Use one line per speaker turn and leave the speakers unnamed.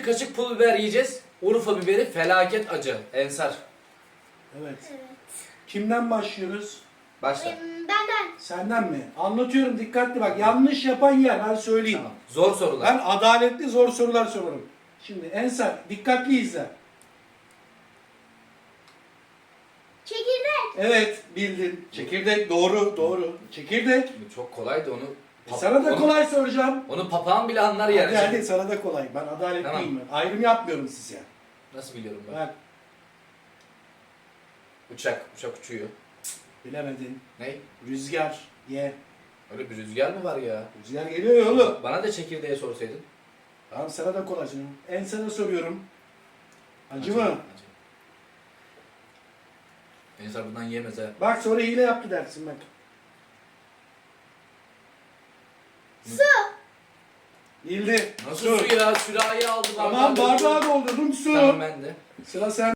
Bir kaşık pul biber yiyeceğiz. Urfa biberi felaket acı. Ensar.
Evet.
Evet.
Kimden başlıyoruz?
Başla.
Benden.
Senden mi? Anlatıyorum, dikkatli bak. Yanlış yapan yer, ben söyleyeyim.
Tamam. Zor sorular.
Ben adaletli zor sorular sorarım. Şimdi Ensar dikkatli izle.
Çekirdek.
Evet, bildin. Çekirdek doğru, doğru. Çekirdek.
Bu çok kolaydı onu.
Sana da
onu-
kolay soracağım.
Onu papağan bile anlar yani.
Hadi sana da kolay. Ben adaletliyim.
Tamam.
Ben. Ayrım yapmıyorum size.
Nasıl biliyorum ben?
Bak,
Uçak uçuyor.
bilemedin.
Ne?
Rüzgar. Ye.
Öyle bir rüzgar mı var ya?
Rüzgar geliyor ya oğlum.
Bana da çekirdeğe sorsaydın.
Tamam, sana da kolay canım. Ensar'a soruyorum. Acı mı?
Acı. Ensar bundan yiyemez ha.
Bak sonra hile yaptı dersin bak.
Su.
Bildi.
Nasıl su ya? Sürahi aldım.
Tamam, bardağı doldurdum, su.
Tamam ben de.
Sıra sen.